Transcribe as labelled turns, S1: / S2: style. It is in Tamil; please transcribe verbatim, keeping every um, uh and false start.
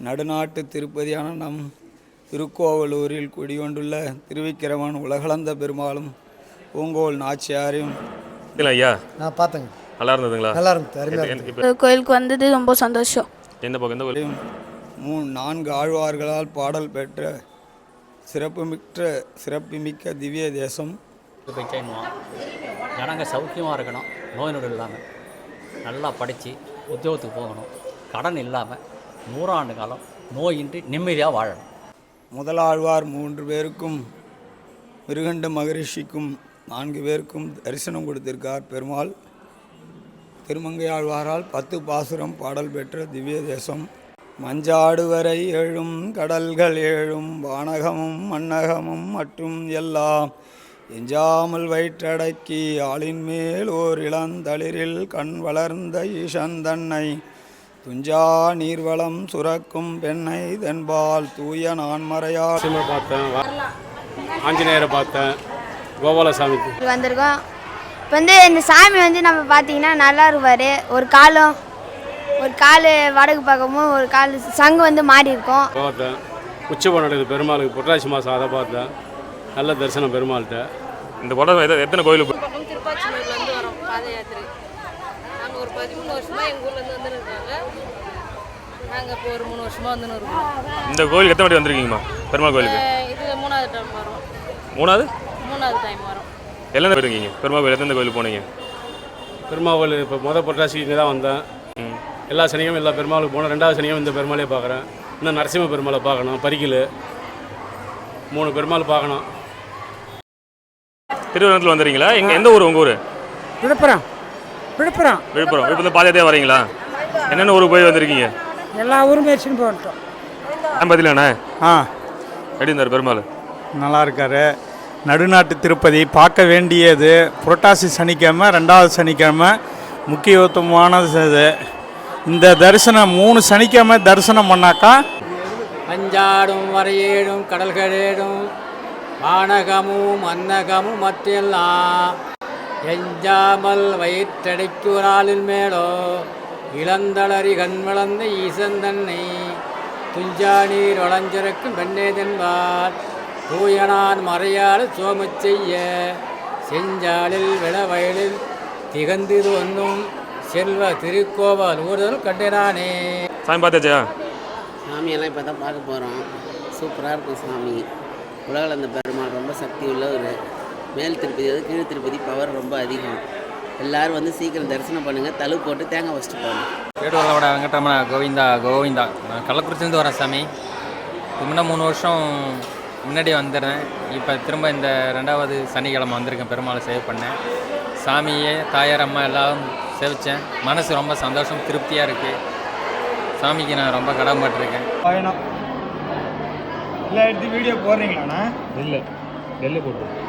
S1: நடுநாட்டு திருப்பதியான நம் திருக்கோவலூரில் குடிகொண்டுள்ள திருவிக்கிரமன் உலகளந்த பெருமாளும் பூங்கோல் நாச்சியாரையும்
S2: ஐயா
S3: நான் பார்த்தேங்க.
S2: நல்லா இருந்ததுங்களா?
S3: நல்லா இருந்தது.
S4: கோயிலுக்கு வந்தது ரொம்ப சந்தோஷம்.
S2: எந்த பக்கம் எந்த கோயில்?
S1: மூணு நான்கு ஆழ்வார்களால் பாடல் பெற்ற சிறப்புமிக்க சிறப்புமிக்க திவ்ய தேசம்.
S5: செய்யணும், ஜனங்க சௌக்கியமாக இருக்கணும், நோய் நொடி இல்லாமல் நல்லா படித்து உத்தியோகத்துக்கு போகணும், கடன் இல்லாமல் நூறாண்டு காலம் நோயின்றி நிம்மதியாக வாழணும்.
S1: முதலாழ்வார் மூன்று பேருக்கும் மிருகண்ட மகரிஷிக்கும் நான்கு பேருக்கும் தரிசனம் கொடுத்திருக்கார் பெருமாள். திருமங்கை ஆழ்வாரால் பத்து பாசுரம் பாடல் பெற்ற திவ்ய தேசம். மஞ்சாடுவரை ஏழும் கடல்கள் ஏழும் வானகமும் மன்னகமும் மற்றும் எல்லாம் எஞ்சாமல் வயிற்றடக்கி ஆளின் மேல் ஓர் இளந்தளிரில் கண் வளர்ந்த ஈசந்தன்னை துஞ்சா நீர்வளம் சுரக்கும் பெண்ணை தென்பால் தூய நான்மறையார்
S6: பார்த்தேன், ஆஞ்சநேயரை பார்த்தேன், கோபாலசாமி
S7: வந்திருக்கோம். இப்போ வந்து இந்த சாமி வந்து நம்ம பார்த்தீங்கன்னா நல்லா இருப்பார். ஒரு காலம் ஒரு கால் வடக்கு பக்கமும் ஒரு கால் சங்கு வந்து மாறி இருக்கும்.
S6: பார்த்தேன். உச்சபம் நடக்குது பெருமாளுக்கு புரட்டாசி மாதம், அதை பார்த்தேன். நல்ல தரிசனம் பெருமாள்கிட்ட.
S2: இந்த படம் எத்தனை கோயிலுக்கு?
S8: திருப்பாச்சூர்லேருந்து வரோம் பாத யாத்திரை. நாங்கள் ஒரு பதிமூணு வருஷமாக எங்கள் ஊர்லேருந்து வந்துருக்காங்க. நாங்கள் இப்போ ஒரு மூணு வருஷமாக வந்துன்னு இருக்கோம்.
S2: இந்த கோயிலுக்கு எத்தனை வாட்டி வந்திருக்கீங்கம்மா? பெருமாள் கோயிலுக்கு
S8: இது மூணாவது டைம் வரோம்.
S2: மூணாவது
S8: மூணாவது டைம் வரோம்.
S2: எல்லாம் போயிருக்கீங்க பெருமாள் கோயில்? எத்தனை கோயிலுக்கு போனீங்க?
S6: பெருமாள் கோயில் இப்போ மொதல் புரட்டாசி இங்கே தான் வந்தேன். எல்லா சனியும் எல்லா பெருமாளுக்கு போனோம். ரெண்டாவது சனியும் இந்த பெருமாளே பார்க்குறேன். இன்னும் நரசிம்ம பெருமாளை பார்க்கணும், பரிக்கல் மூணு பெருமாள் பார்க்கணும்.
S2: திருவனந்தபுரத்தில் வந்துடுறீங்களா? எங்க எந்த ஊர் உங்கள் ஊர்?
S9: விழுப்புரம். விழுப்புரம்
S2: விழுப்புரம் விழுப்புரம் பாதையாதே வரீங்களா? என்னென்ன ஊருக்கு போய் வந்திருக்கீங்க?
S9: எல்லா ஊரும் பேசின்னு போட்டோம்.
S2: ஆ பதிலாண்ணே.
S3: ஆ
S2: எப்படி இருந்தார் பெருமாள்?
S3: நல்லா இருக்கார். நடுநாட்டு திருப்பதி பார்க்க வேண்டியது. புரட்டாசி சனிக்கிழமை, ரெண்டாவது சனிக்கிழமை முக்கியத்துவமானது இது. இந்த தரிசனம் மூணு சனிக்கிழமை தரிசனம் பண்ணாக்கா
S5: அஞ்சாடும் வரையேடும் கடல்களேடும் வானகமும் அன்னகமும் மற்றெல்லாம் எஞ்சாமல் வயிற்றடைக்கு ஒரு ஆளின் மேலோ இளந்தளறி கண் வளர்ந்த ஈசன் தன்னை துஞ்சா நீர் வளஞ்சிறக்கும் பெண்ணே தென்பால் தூயனான் மறையால் சோமச் செய்ய செஞ்சாலில் விளவயலில் திகந்திது ஒன்றும் செல்வ திருக்கோவல் ஊர்தல் கண்டினானே.
S2: சாமி பார்த்தாச்சா?
S10: சாமியெல்லாம் இப்போ தான் பார்க்க போகிறோம். சூப்பராக இருக்கும் சாமி. உலகளந்த பெருமாள் ரொம்ப சக்தி உள்ள ஒரு மேல் திருப்பதி, அது கீழ் திருப்பதி பவர் ரொம்ப அதிகம். எல்லோரும் வந்து சீக்கிரம் தரிசனம் பண்ணுங்கள். தழு போட்டு தேங்காய் வச்சுட்டு போகணும்.
S5: வேடுவலோட வெங்கடரமண கோவிந்தா கோவிந்தா. நான் கள்ளக்குறிச்சிலேருந்து வரேன் சாமி. முன்ன மூணு வருஷம் முன்னாடி வந்துடுறேன். இப்போ திரும்ப இந்த ரெண்டாவது சனிக்கிழமை வந்திருக்கேன். பெருமாளை சேவ் பண்ணேன். சாமியே தாயார் அம்மா எல்லாம் சேவித்தேன். மனசு ரொம்ப சந்தோஷம், திருப்தியாக இருக்குது. சாமிக்கு நான் ரொம்ப கடமைப்பட்டிருக்கேன்.
S3: பயணம் இல்லை எடுத்து வீடியோ போடுறீங்களாண்ணா?
S6: இல்லை டெல்லி போட்டு